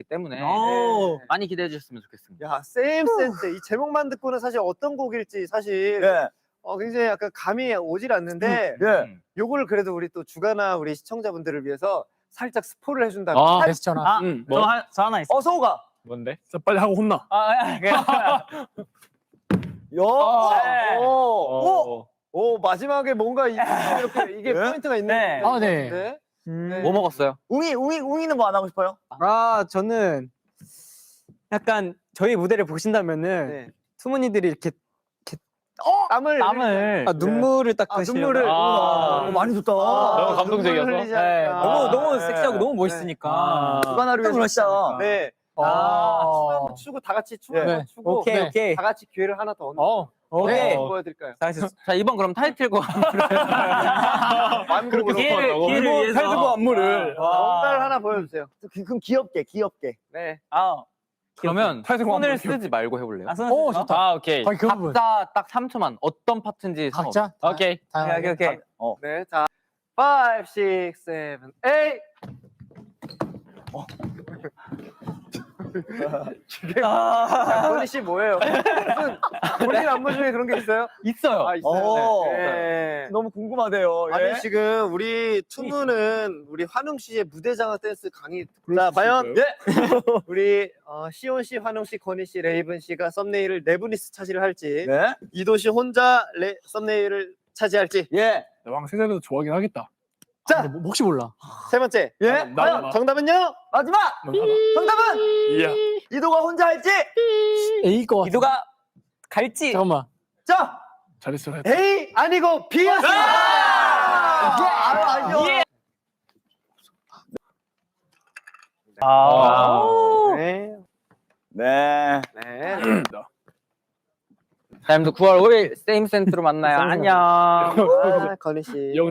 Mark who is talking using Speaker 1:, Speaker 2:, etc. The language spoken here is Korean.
Speaker 1: 때문에
Speaker 2: 네.
Speaker 1: 많이 기대해 주셨으면 좋겠습니다.
Speaker 2: 야, 세임 센스. 이 제목만 듣고는 사실 어떤 곡일지 사실
Speaker 3: 네.
Speaker 2: 굉장히 약간 감이 오질 않는데
Speaker 3: 네.
Speaker 2: 요거를 그래도 우리 또 주가나 우리 시청자분들을 위해서 살짝 스포를 해준다면
Speaker 4: 베스트잖아.
Speaker 5: 저 하나 있어.
Speaker 2: 서우가
Speaker 4: 뭔데? 자, 빨리 하고 혼나.
Speaker 2: 오, 마지막에 뭔가 이렇게 이게
Speaker 3: 네?
Speaker 2: 포인트가 있는
Speaker 5: 네.
Speaker 4: 아, 네.
Speaker 1: 뭐 먹었어요?
Speaker 3: 웅이는 뭐 안 하고 싶어요?
Speaker 6: 저는 약간 저희 무대를 보신다면은
Speaker 2: 네.
Speaker 6: 투모니들이 이렇게
Speaker 2: 땀을
Speaker 6: 눈물을 닦으시려고.
Speaker 2: 눈물을
Speaker 3: 많이 좋다.
Speaker 4: 너무 감동적이어서.
Speaker 2: 눈물을 흘리지
Speaker 6: 네,
Speaker 2: 않을까.
Speaker 6: 너무
Speaker 3: 네.
Speaker 6: 섹시하고 너무 멋있으니까.
Speaker 3: 주간하루 위해서 진짜.
Speaker 2: 네. 춤 한번 추고 다 같이 춤
Speaker 3: 네.
Speaker 2: 한번 추고
Speaker 6: 오케이, 오케이.
Speaker 2: 다 같이 기회를 하나 더 얻는
Speaker 6: 오케이.
Speaker 2: 보여드릴까요?
Speaker 1: 자 이번 그럼 타이틀곡
Speaker 2: 완곡으로
Speaker 5: 기회를 위해서.
Speaker 4: 탈두고 안무를.
Speaker 2: 뭔가를 하나 보여주세요.
Speaker 3: 그럼 귀엽게.
Speaker 2: 네.
Speaker 1: 그러면
Speaker 4: 타이틀곡
Speaker 1: 손을
Speaker 4: 한번
Speaker 1: 쓰지 말고 해볼래요?
Speaker 4: 오, 좋다.
Speaker 5: 아, 오케이.
Speaker 4: 거의 그 부분.
Speaker 1: 각자 딱 3초만 어떤 파트인지
Speaker 4: 각자?
Speaker 5: 오케이.
Speaker 6: 오케이.
Speaker 2: 네. 자, 5, 6, 7, 8. 권희 씨 뭐예요? 무슨 본인 안무 중에 그런 게 있어요?
Speaker 1: 있어요.
Speaker 2: 있어요. 네.
Speaker 3: 너무 궁금하대요. 예.
Speaker 2: 아니 지금 우리 투무는 우리 환웅 씨의 무대 장악 댄스 강의. 자 과연 우리 시온 씨, 환웅 씨, 권희 씨, 레이븐 씨가 썸네일을 네 분이서 차지를 할지,
Speaker 3: 네.
Speaker 2: 이도 씨 혼자 썸네일을 차지할지.
Speaker 3: 예.
Speaker 4: 왕세자도 좋아하긴 하겠다.
Speaker 2: 자,
Speaker 4: 뭐, 혹시 몰라.
Speaker 2: 세 번째.
Speaker 3: 예.
Speaker 4: 나도
Speaker 2: 정답은요?
Speaker 3: 마지막. 정답은
Speaker 4: 이야.
Speaker 3: 이도가 혼자 할지.
Speaker 4: A일 것 같아.
Speaker 6: 이도가 갈지.
Speaker 4: 잠깐만.
Speaker 3: 자,
Speaker 4: 잘했어.
Speaker 2: A 아니고 B였습니다.
Speaker 3: 아니요.
Speaker 2: 네.
Speaker 3: 네.
Speaker 2: 네.
Speaker 1: 다음도 9월 5일 세임 센트로 만나요. 안녕.
Speaker 2: 권희 씨.